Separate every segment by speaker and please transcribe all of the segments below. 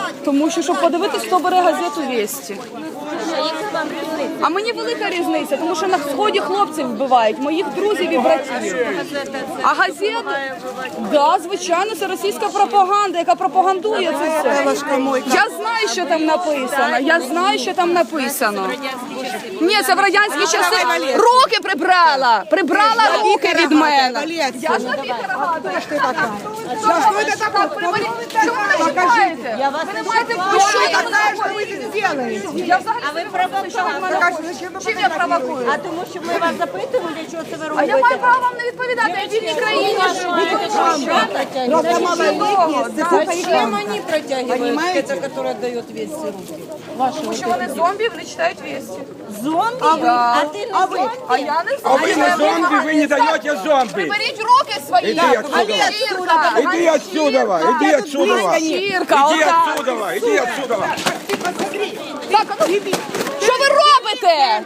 Speaker 1: Тому що, щоб подивитись, хто бере газету «Вєсті». А мені велика різниця, тому що на Сході хлопців вбивають, моїх друзів і братів. А газета? Да, звичайно, це російська пропаганда, яка пропагандує це все. Я знаю, що там написано. Я знаю, що там написано. Ні, це в радянські часи. Руки прибрала! Прибрала руки від мене. Я ж на Віктора
Speaker 2: Что это такое?
Speaker 1: Чому ви не чіпаєте? Ви не маєте що я взагалі не провокую, що ви мене хочете. Чим я провокую?
Speaker 3: А тому що ми вас запитували, що це ви
Speaker 1: А
Speaker 3: робите?
Speaker 1: я маю право вам не відповідати, я в вільній країні живу.
Speaker 3: Зачем они протягивают? Это, который отдает весь
Speaker 1: Тому що вони зомбі, вони читають «Вєсті».
Speaker 3: Зомби?
Speaker 1: Да.
Speaker 3: А ти не зомби?
Speaker 1: А я не
Speaker 4: А вы не
Speaker 1: зомбі.
Speaker 4: зомби, вы не даете зомби.
Speaker 1: Приберіть руки свої.
Speaker 4: Иди отсюда.
Speaker 1: Ганчірка.
Speaker 4: Иди отсюда, иди отсюда.
Speaker 1: Ганчірка,
Speaker 4: Иди
Speaker 1: отак.
Speaker 4: отсюда, иди отсюда.
Speaker 1: Так, а ну, що ви робите?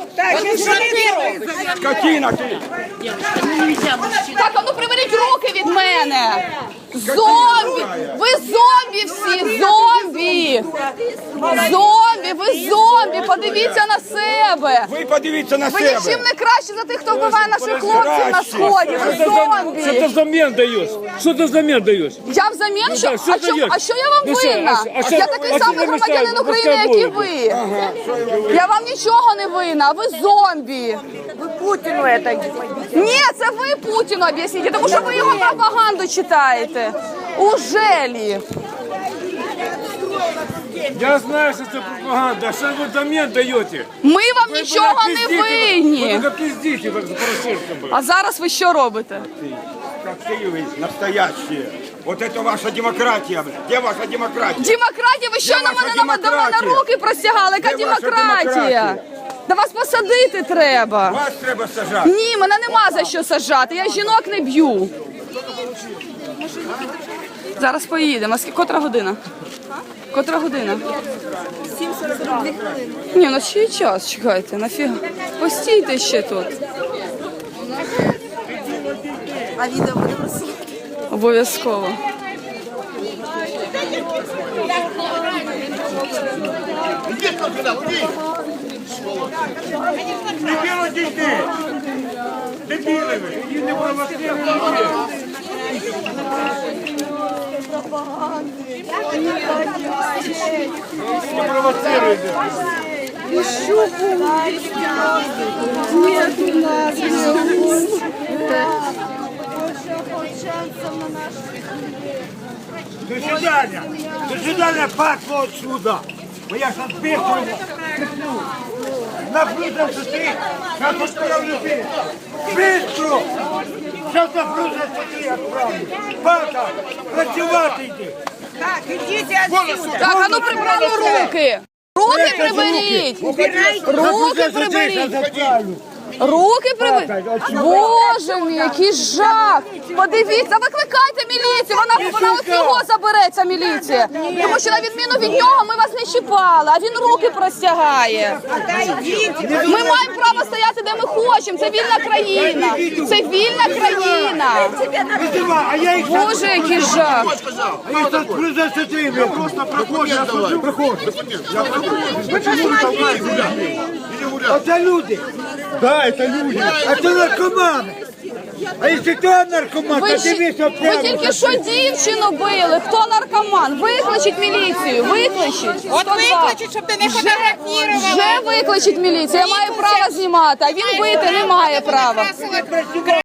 Speaker 4: Скотина ты.
Speaker 1: Так, а ну приберіть руки від мене. Зомбі! Ви зомбі всі! Зомбі! Зомбі! Ви зомбі! Подивіться на себе!
Speaker 4: Ви подивіться на
Speaker 1: Ви
Speaker 4: себе.
Speaker 1: нічим не краще за тих, хто вбиває наших хлопців на Сході! Ви
Speaker 5: Что ты
Speaker 1: зомбі!
Speaker 5: взамен даешь? Что ты взамен даешь?
Speaker 1: Я взамін, що?
Speaker 5: да, що
Speaker 1: А
Speaker 5: даєш?
Speaker 1: що я вам
Speaker 5: Ну, що,
Speaker 1: винна?
Speaker 5: а що-
Speaker 1: Я такий
Speaker 5: а що
Speaker 1: самий
Speaker 5: ви
Speaker 1: громадянин
Speaker 5: мішаєте?
Speaker 1: України, як і ви. Я вам нічого не винна, а ви зомбі.
Speaker 3: Ви Путіну это.
Speaker 1: Ні, це ви Путіну об'ясніть, тому що ви його пропаганду читаєте. Ужелі.
Speaker 5: Я знаю, что это пропаганда. А что вы взамен даете?
Speaker 1: Ми вам нічого не
Speaker 5: Вы
Speaker 1: винні.
Speaker 5: только пиздите, как за Порошенко.
Speaker 1: А зараз ви що робите?
Speaker 4: Как вы настоящие. Вот это ваша демократия, блядь. Где ваша демократия?
Speaker 1: Демократія, ви що
Speaker 4: Де
Speaker 1: на
Speaker 4: ваша
Speaker 1: мене до мене
Speaker 4: демократія?
Speaker 1: руки простягали? Яка
Speaker 4: Де ваша
Speaker 1: демократія?
Speaker 4: демократія?
Speaker 1: Да вас посадити треба.
Speaker 4: Вас треба сажати.
Speaker 1: Ні, мене нема за що саджати, я жінок не б'ю. Зараз поїдемо. Котра година? Котра година? 7:42 хвилини. Ні, ну ще й час, чекайте, нафіга. Постійте ще тут.
Speaker 3: А відео буде просити?
Speaker 1: Обов'язково.
Speaker 4: Дебіли дійти! Дебіли ви! Не провоцируйте! До свидания! До свидания, пасло отсюда! Бо я ж отбиваю! Напружився ти! Сейчас отправлю ти! Быстро! Сейчас напружився ти, отправлю! Пака! Працювати йди!
Speaker 2: Так, идите отсюда.
Speaker 1: Так, а ну прибрали руки! Руки приберіть! Руки приберіть! Руки приберіть! Боже мій, який жах! Подивіться, викликайте міліцію! Вона от його забереться, міліція! Тому що на відміну від нього ми вас не чіпали, а він руки простягає! Ми маємо право стояти, де ми хочемо! Це вільна країна! Це вільна країна!
Speaker 4: А я їх
Speaker 1: Боже, який жах!
Speaker 4: отправлю ти! Я просто проходжу, я тут проходжу! Почему ви толкаєте? Это люди! Да, это люди! Это наркоманы! А если кто наркоман,
Speaker 1: Ви,
Speaker 4: то ты весь
Speaker 1: ви тільки що дівчину били. Хто наркоман? Викличіть міліцію. Викличіть.
Speaker 2: Вот выключить, чтобы ты не фотографировала.
Speaker 1: Вже викличіть міліцію. Я маю право знімати, а він бити не має права.